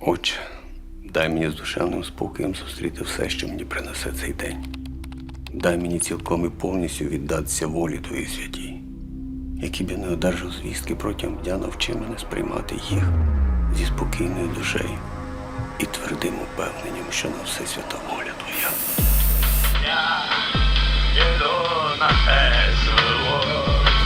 Отче, дай мені з душевним спокоєм зустріти все, що мені принесе цей день. Дай мені цілком і повністю віддатися волі Твоїй святій. Які б я не одержав звістки протягом дня, навчи мене сприймати їх зі спокійною душею і твердим упевненням, що на все свята воля Твоя. Я йду на те село.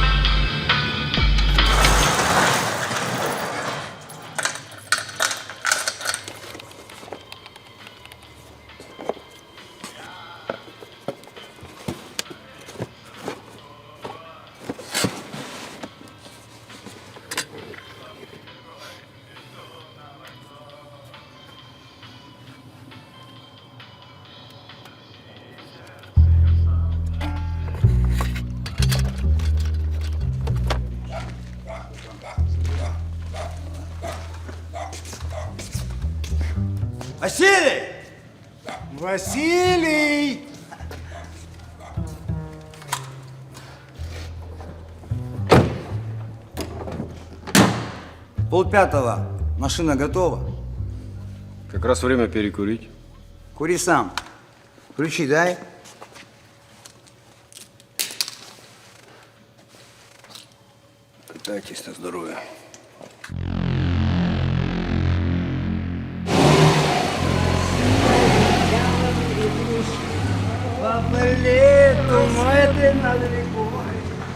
Василий! Василий! Полпятого. Машина готова. Как раз время перекурить. Кури сам. Ключи дай. Питайтесь на здоров'я. Папалету, мой над рекой.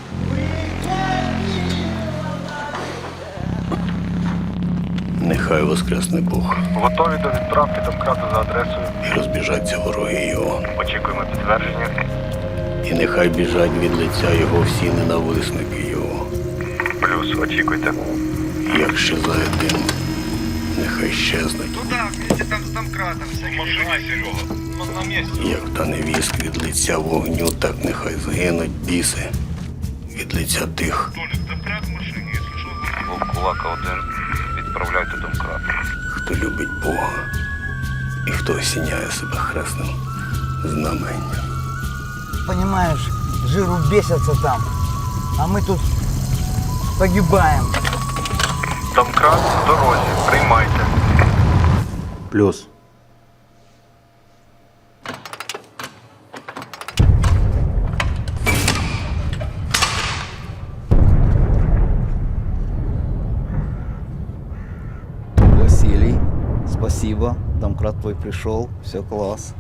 Нехай воскресне Бог Готові до відправки домкрату за адресою. і розбіжаться вороги його. Очікуємо підтвердження. І нехай біжать від лиця його всі ненависники його. Плюс, очікуйте. Як щезає дим, нехай щезнуть. Туда, вместе там з домкратом. Машина, Серега. На місці. Як та невістка від лиця вогню, так нехай згинуть біси від лиця тих, Толік, домкрат в машині, якщо що. Вовкулака 1. Відправляйте домкрат. хто любить Бога і хто осіняє себе хресним знаменням. Понимаешь, жиру бесятся там, а мы тут погибаем. Домкрат в дорозі. Приймайте. Плюс. Василий, спасибо. Домкрат твой пришел, все класс.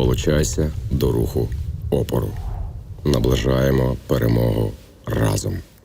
Долучайся до руху опору. Наближаємо перемогу разом.